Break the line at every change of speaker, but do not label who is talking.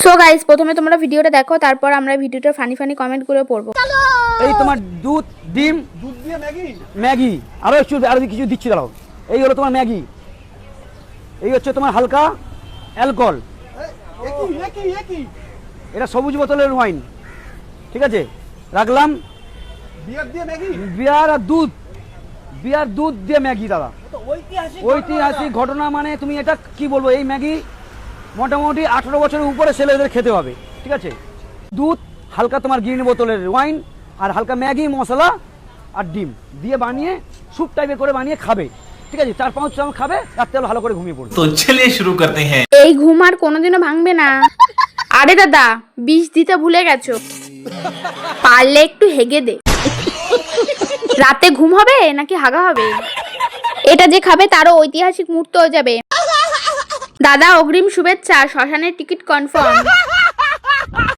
So guys, প্রথমে তোমরা ভিডিওটা দেখো, তারপর আমরা ভিডিওটা ফানি কমেন্ট করে পড়বো।
এই তোমার দুধ ডিম
দুধ দিয়ে ম্যাগি
ম্যাগি আরো কিছু দিচ্ছি দাঁড়াও। এই হলো তোমার ম্যাগি, এই হচ্ছে তোমার হালকা অ্যালকোহল,
একই
এটা সবুজ বোতলের ওয়াইন, ঠিক আছে রাখলাম।
বিয়ার দিয়ে ম্যাগি,
বিয়ার আর দুধ দিয়ে ম্যাগি দাদা, ঐতিহাসিক ঘটনা। মানে তুমি এটা কি বলবো, এই ম্যাগি মোটামুটি 18 বছরের উপরে ছেলেদের খেতে হবে, ঠিক আছে। দুধ, হালকা তোমার গ্রিন বোতলের ওয়াইন, আর হালকা ম্যাগি মশলা আর ডিম দিয়ে বানিয়ে স্যুপ টাইপের করে বানিয়ে খাবে, ঠিক আছে। 4-5 চামচ খাবে, রাত্রে ভালো করে ঘুমিয়ে পড়বে।
তো চলিয়ে শুরু করতে হ্যাঁ।
এই ঘুম আর কোনোদিনও ভাঙবে না। আরে দাদা, বিষ দিতে ভুলে গেছো, পারলে একটু হেগে দে। রাতে ঘুম হবে নাকি হাগা হবে? এটা যে খাবে তারও ঐতিহাসিক মুহূর্ত হয়ে যাবে। দাদা অগ্রিম শুভেচ্ছা, শ্মশানের টিকিট কনফার্ম।